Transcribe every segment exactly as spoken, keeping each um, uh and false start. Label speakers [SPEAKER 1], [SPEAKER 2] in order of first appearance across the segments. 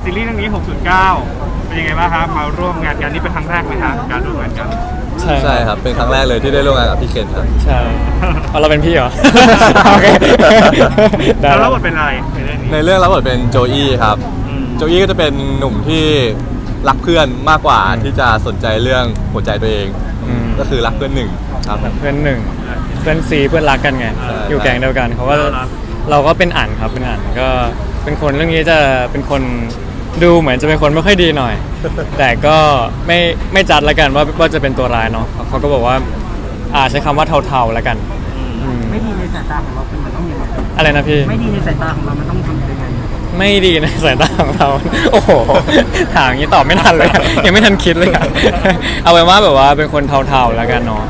[SPEAKER 1] ซีรีส์เรื่องนี้หกศูนย์เก้าเป็นยังไงบ้างครับมาร่วมงานกันนี่เป็นครั้งแรกไหมครับการร่วมงานกัน
[SPEAKER 2] ใช่ใช่ครับเป็นครั้งแรกเลยที่ได้ร่วมงานกับพี่เคนครับ
[SPEAKER 3] ใช่เอาเราเป็นพี่เหรอโอเค
[SPEAKER 1] แล้วรับบทเป็นอะไรในเรื่องนี้
[SPEAKER 2] ในเรื่องรับบทเป็นโจอี้ครับโจอี้ก็จะเป็นหนุ่มที่รักเพื่อนมากกว่าที่จะสนใจเรื่องหัวใจตัวเองก็คือรักเพื่อนหนึ่งครับ
[SPEAKER 3] เพื่อนหนึ่งเพื่อนซีเพื่อนรักกันไงอยู่แก๊งเดียวกันเขาก็เราก็เป็นอ่านครับเป็นอ่านก็เป็นคนเรื่องนี้จะเป็นคนดูเหมือนจะเป็นคนไม่ค่อยดีหน่อย แต่ก็ไม่ไม่จัดละกันว่าว่าจะเป็นตัวร้ายเนาะเขาก็บอกว่าอ่าใช้คำว่าเทาๆละกัน
[SPEAKER 4] ไม่ดีในสายตาของเราเป็นมันต้องยังไง
[SPEAKER 3] อะไรนะพี่
[SPEAKER 4] ไม่ดีในสายตาของเรามันต้องทำยังไง
[SPEAKER 3] ไม่ดีในสายตาของเราโอ้โหถามอย่างนี้ตอบไม่ทันเลยยังไม่ทันคิดเลยเอาไว้ว่าแบบว่าเป็นคนเทาๆละกันเนาะ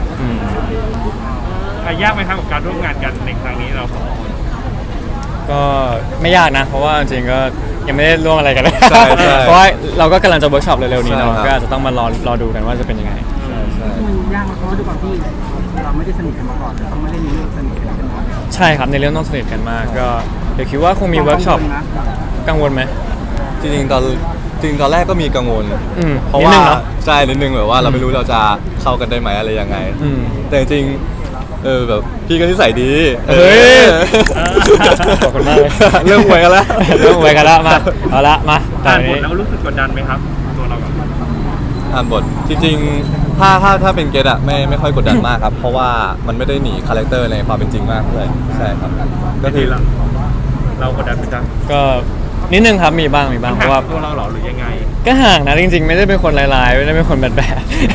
[SPEAKER 1] ยากไหมครับกับการร่วมงานกันในครั้งนี้เรา
[SPEAKER 3] ก็ไม่ยากนะเพราะว่าจริงๆก็ยังไม่ได้ร่วมอะไรกันเลย
[SPEAKER 2] ใช่
[SPEAKER 3] เพราะว่าเราก็กำลังจะเวิร์กช็อปเร็วๆนี้เนาะก็อาจจะต้องมารอรอดูกันว่าจะเป็นยังไง
[SPEAKER 4] มันยากเพราะว่าด้วยความที่เราไม่ได้สนิทกันมาก่อนต้องไม่ได้มีเรื่องสนิทกันมา
[SPEAKER 3] ใช่ครับในเรื่องต้องสนิทกันมากก็เดี๋ยวคิดว่าคงมีเวิร์กช็อปกังวลไหม
[SPEAKER 2] จริงๆตอนจริงตอนแรกก็มีกังวลเพราะว่าใช่นิดนึงแบบว่าเราไม่รู้เราจะเข้ากันได้ไหมอะไรยังไงแต่จริงเออแบบพี่ก็นิสัยดี
[SPEAKER 3] เฮ้ยขอบคุณมากเลย
[SPEAKER 2] เรื่องหวยกันแล้ว
[SPEAKER 3] เรื่องหวยกันแล้วมาเอาละมา
[SPEAKER 1] อ่านบทแล้วรู้สึกกดดันไหมครับตัวเรา
[SPEAKER 2] อ่านบทจริงๆถ้าถ้าถ้าเป็นเกตอะไม่ไม่ค่อยกดดันมากครับเพราะว่ามันไม่ได้หนีคาแรคเตอร์ในความเป็นจริงมากเลยใช่ครับ
[SPEAKER 1] ก็คือเรากดดันไปจัง
[SPEAKER 3] ก็นิดนึงครับมีบ้างมีบ้างเพราะว่า
[SPEAKER 1] ตัวเราหรอหรือยังไง
[SPEAKER 3] ก็ห่างนะจริงๆไม่ได้เป็นคนร้ายๆไม่ได้เป็นคนแบดๆแต่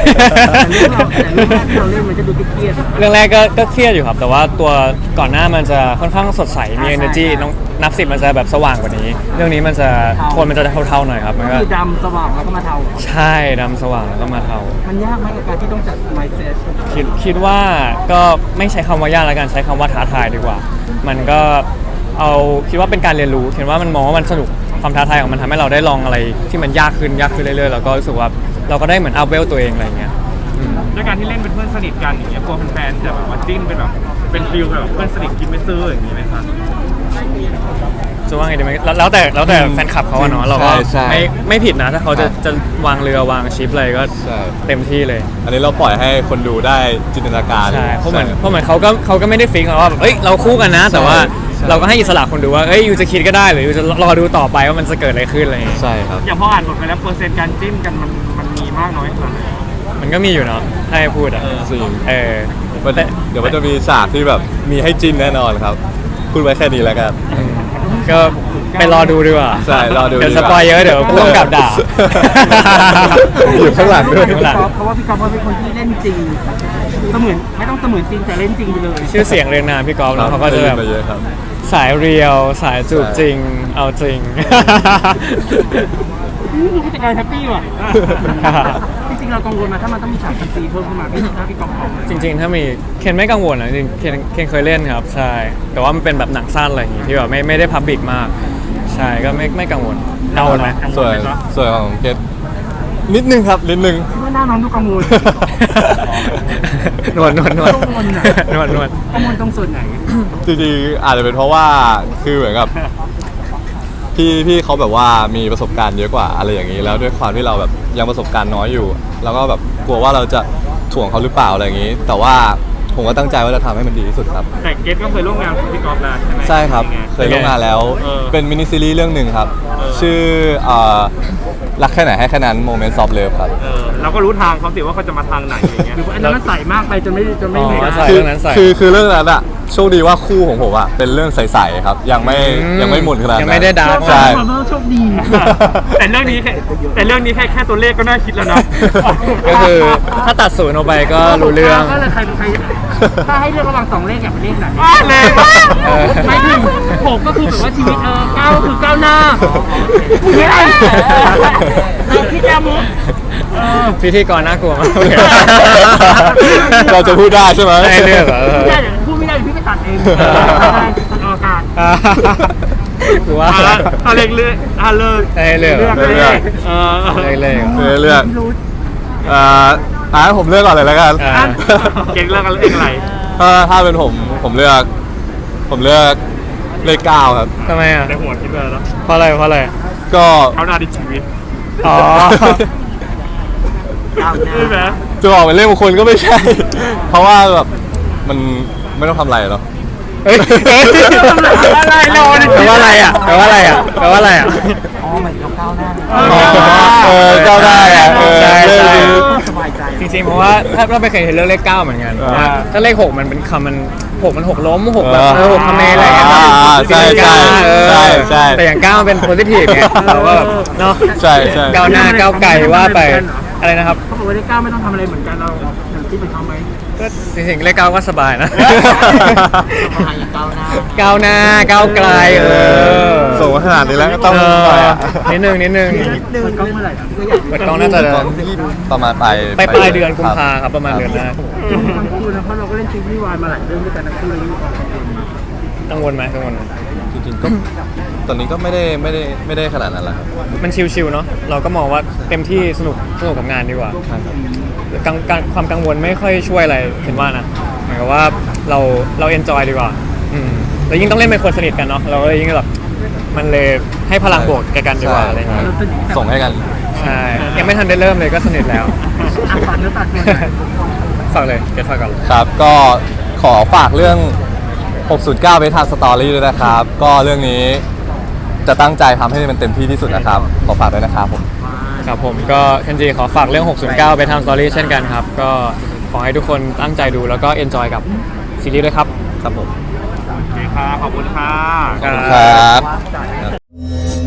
[SPEAKER 4] เรื่องเราแต่เรื่องแรกเราเล่นมันจะดูเครียด
[SPEAKER 3] เรื่องแรกก็ก็เครียดอยู่ครับแต่ว่าตัวก่อนหน้ามันจะค่อนข้างสดใสมี energy น้องนับสิบมันจะแบบสว่างกว่านี้เรื่องนี้มันจะโทนมันจะเทาๆหน่อยครับมันก็
[SPEAKER 4] คือดำสว่างแล้วก็มาเทา
[SPEAKER 3] ใช่ดำสว่างแล้วก็มาเทา
[SPEAKER 4] มันยากไหมกับการที่ต้องจัด mindset
[SPEAKER 3] คิดคิดว่าก็ไม่ใช้คำว่ายากแล้วกันใช้คำว่าท้าทายดีกว่ามันก็เอาคิดว่าเป็นการเรียนรู้เห็นว่ามันมองว่ามันสนุกความท้าทายของมันทำให้เราได้ลองอะไรที่มันยากขึ้นยากขึ้นเรื่อยๆแล้วก็รู้สึกว่าเราก็ได้เหมือนอัพเวลตัวเองอะไรเงี้ย
[SPEAKER 1] ด้วยการที่เล่นเป็นเพื่อนสนิทกันอย่างเงี้ยกลัวแฟนๆจะแบบว่าจิ้นเป็นแบบเป็นฟิลแบบเพื่อนสนิทกินไม่ซื้ออย่างนี้ไหมครับ
[SPEAKER 3] จะว่าไงดีไหมแล้วแต่แล้วแต่แฟนคลับเขาเนาะเราก็ไม่ไม่ผิดนะถ้าเขาจะจะวางเรือวางชิปอะไรก็เต็มที่เลย
[SPEAKER 2] อันนี้เราปล่อยให้คนดูได้จินตนาการ
[SPEAKER 3] ใช่เพราะเหมือนเพราะเหมือนเขาก็เขาก็ไม่ได้ฟิกว่าเอ้ยเราคู่กันนะแต่ว่าเราก็ให้อิสระคนดูว่าเอ้ยยูจะคิดก็ได้หรือยูจะรอดูต่อไปว่ามันจะเกิดอะไรขึ้นอะไร
[SPEAKER 2] ใช่ครับ
[SPEAKER 1] อย่างพออ่านบทไปแล้วเปอร์เซ็นต์การจิ้นกันมันมันมีมากน้อยขนาดไหน
[SPEAKER 3] มันก็มีอยู่เนาะให้พูดอ่ะ
[SPEAKER 2] จริง
[SPEAKER 3] เออ
[SPEAKER 2] เดี๋ยวมันจะมีฉากที่แบบมีให้จิ้นแน่นอนครับพูดไว้แค่นี้แล้วกัน
[SPEAKER 3] ก็ไปรอดูดีกว่า
[SPEAKER 2] ใช่รอดู
[SPEAKER 3] เดี๋ยวสปอยเยอะเดี๋ยวพ่วงกับด่า
[SPEAKER 2] อยู่ข้างหลังด้วย
[SPEAKER 4] เพราะว่าพี่กอล์ฟเป็นคนที่เล่นจริงเสมือนไม่ต้องเสมือนจริงแต่เล่นจริงไปเลย
[SPEAKER 3] ชื่อเสียงเรียงนามพี่กอล์ฟแล้วเขาก็จะแบบสายเรียวสายจูบจริงเอาจริง
[SPEAKER 4] ผู้จัดการแฮปปี้ว่ะจริงๆเรากังวลนะถ้ามันต้องมีฉากซีเพิ่มขึ้นมาพี่ถ้าพี่กอล์ฟบอก
[SPEAKER 3] จริงๆถ้ามีเคนไม่กังวลนะจริงเคนเคนเคยเล่นครับใช่แต่ว่ามันเป็นแบบหนังสั้นอะไรอย่างงี้ที่แบบไม่ไม่ได้พับบิกมากใช่ก็ไม่ไม่กังวลกังวลไหม
[SPEAKER 2] ส่วนส่วนของเคนนิดนึงครับนิดนึง
[SPEAKER 4] หน้าน้องดูกังวล
[SPEAKER 3] นวดนวดนวดนวดนวด
[SPEAKER 4] กังวลตรงส่วนไหน
[SPEAKER 2] จริงๆอาจจะเป็นเพราะว่าคือเหมือนกับพี่พี่เขาแบบว่ามีประสบการณ์เยอะกว่าอะไรอย่างนี้แล้วด้วยความที่เราแบบยังประสบการณ์น้อยอยู่แล้วก็แบบกลัวว่าเราจะถ่วงเขาหรือเปล่าอะไรอย่างนี้แต่ว่าผมก็ตั้งใจว่าจะทำให้มันดีที่สุดครับ
[SPEAKER 1] แต่เกตก็เคยร่วมงานกับพี่กอล์ฟแล้วใช่ไหม
[SPEAKER 2] ใช่ครับเคยร่วมงานแล้วเป็นมินิซีรีส์เรื่องหนึ่งครับชื่อรักแค่ไหนให้แค่นั้นโมเมนต์ซอฟเลิฟครับ
[SPEAKER 1] เราก็รู้ทางเขาสิว่าเขาจะมาทางไหนอย่างเงี้ย
[SPEAKER 4] หรือว่าอันนั้นใส่มากไปจนไม่จนไม่เหนื่อย
[SPEAKER 2] คือคือเรื่องนั้นอะโชคดีว่าคู่ของผมอะเป็นเรื่องใสๆครับยังไม่ยังไม่หมุนขนาดนั้น
[SPEAKER 3] ยังไม่ได้ดาร์ก
[SPEAKER 2] ใช่
[SPEAKER 4] โชคดี
[SPEAKER 1] แต่เรื่องนี้แค่แต่เรื่องนี้แค่แค่ตัวเลขก็น่าคิดแล้วนะ
[SPEAKER 3] ก็คือถ้าตัดศูนย์ออกไปก็รู้เรื่อง
[SPEAKER 4] ก็เลยใครใครถ้าให้เลือกระหว่างสองเลขอยากเป็นเลขไหน
[SPEAKER 1] เลย
[SPEAKER 4] ไม่ถึงหกก็คือแบบว่าชีวิตเออเก้าคือก้าวหน้าไม่ได้เราคิดยามุ
[SPEAKER 3] พิธีกรน่ากลัวมาก
[SPEAKER 2] เราจะพูดได้ใช่ไหม
[SPEAKER 3] ไม่เลือกเหรอ
[SPEAKER 4] พูดไม่ได้พี่ไปตัดเองตัดอากาศ
[SPEAKER 3] กูว่า
[SPEAKER 1] ถ้าเลือกเลือกถ้าเลือก
[SPEAKER 3] เลือก
[SPEAKER 1] เลือกเลือก
[SPEAKER 3] เออเลือกเลือก
[SPEAKER 2] เลือกอ่าอ่าผมเลือกก่อนเลยแล้วกัน
[SPEAKER 1] เก่งเลือกเองอะไร
[SPEAKER 2] ถ้าถ้าเป็นผมผมเลือกผมเลือกเลขเก้าครับ
[SPEAKER 3] ทำไมอ่ะ
[SPEAKER 1] ในหัวคิดว่าแล้ว
[SPEAKER 3] เพราะอะไรเพราะอะไร
[SPEAKER 2] ก็
[SPEAKER 1] เขาหน้าดิชีวิต
[SPEAKER 3] อ๋อ
[SPEAKER 1] ใช่ไหม
[SPEAKER 2] จะบอกเป็นเรื่องมงคลก็ไม่ใช่ เพราะว่าแบบมันไม่ต้องทำอะไรเนาะ
[SPEAKER 3] เฮ้ยเฮ้ย
[SPEAKER 1] อะไรรอดิ
[SPEAKER 3] แปลว่าอะไรอ่ะแปลว่าอะไรอ่ะแปลว่าอะไรอ่ะ
[SPEAKER 4] อ๋อเหมือนเราก้าวหน้า
[SPEAKER 2] เออก้าวหน้าอ่ะเออ
[SPEAKER 3] ใช่ใช่
[SPEAKER 4] สบายใจ
[SPEAKER 3] จริงๆเพราะว่าถ้าเราไม่เคยเห็นเรื่องเลขเก้าเหมือนกัน
[SPEAKER 2] อ่า
[SPEAKER 3] ถ้าเลขหกมันเป็นคำมันหกมันหกล้มหกแบบ
[SPEAKER 2] เออ
[SPEAKER 3] เออหกคำเมอะไรอย่างเงี้ย
[SPEAKER 2] อ่าใช่ใช่
[SPEAKER 3] เออ
[SPEAKER 2] ใช่ใช่
[SPEAKER 3] แต่อย่างเก้ามันเป็นโพซิทีฟไงเราก็แบบเนาะ
[SPEAKER 2] ใช่ใช่
[SPEAKER 3] ก้าวหน้าก้าวไกลว่าไปอะไรนะครับ
[SPEAKER 4] เขาบอกว่าได้ก้าวไม่ต้องทำอะไรเหมือนกันเราอย่างที่เป็นเขาไหม
[SPEAKER 3] ก็จริงๆเลขเก้าก็สบายนะ
[SPEAKER 4] ทำอย่างก้าวหน้า
[SPEAKER 3] ก้าวหน้าก้าวไกลเออ
[SPEAKER 2] ส่งมาขนาดนี้แล้วก็ต้อง
[SPEAKER 3] เอ
[SPEAKER 2] หน่อย
[SPEAKER 3] อ
[SPEAKER 2] อะ
[SPEAKER 3] นิดนึงนิดนึง
[SPEAKER 4] เดินกล้องเมื่อไหร่อ่ะก็อยาก
[SPEAKER 3] เปิดกล้องน่าจะ
[SPEAKER 2] ตอนที่ประมาณปลาย
[SPEAKER 3] ไปปลายเดือนกุมภาครับประมาณเดือนหน้า
[SPEAKER 4] ทั้งคู่นะเพราะเราก็เล่นซีรีส์วายมาหลายเรื่องด้วยกันทั้งคู่เลยมีความกังวลไหม
[SPEAKER 3] กังวลไหมกังวลไหม
[SPEAKER 2] จริงๆก็ตอนนี้ก็ไม่ได้ไม่ได้ไม่ได้ขนาดนั้นแหละครับ
[SPEAKER 3] มันชิลๆเนาะเราก็มองว่าเต็มที่สนุกสนุกกับงานดีกว่า
[SPEAKER 2] ใช่ครับ
[SPEAKER 3] กังกังความกังวลไม่ค่อยช่วยอะไรเห็นว่านะหมายความว่าเราเราเอนจอยดีกว่าอืมแล้วยิ่งต้องเล่นเป็นคนสนิทกันเนาะเราก็เลยยิ่งแบบมันเลยให้พลังบวกแก่กันดีกว่าอะไรอย่างเงี้ย
[SPEAKER 2] ส่งให้กัน
[SPEAKER 3] ใช่ยังไม่ทันได้เริ่มเลยก็สนิทแล้ว
[SPEAKER 4] อ่ะฝากเนื้อฝากตัวหน่อย
[SPEAKER 3] ฝากเลยเก็ตฝากก่อน
[SPEAKER 2] ครับก็ขอฝากเรื่อง หกศูนย์เก้า เบทาสตอรี่ด้วยนะครับ ก็เรื่องนี้จะตั้งใจทำให้มันเต็มที่ที่สุดนะครับ ขอฝากด้วยนะครับผม
[SPEAKER 3] ครับผมก็เคนจิขอฝากเรื่อง หกศูนย์เก้า ไปทำสตอรี่เช่นกันครับ ก็ขอให้ทุกคนตั้งใจดูแล้วก็เอนจอยกับซีรีส์ด้วยครับ
[SPEAKER 2] ครับผม
[SPEAKER 1] โอเคค่ะขอบคุณค่ะ
[SPEAKER 2] ครับ
[SPEAKER 4] ว่าจ่าย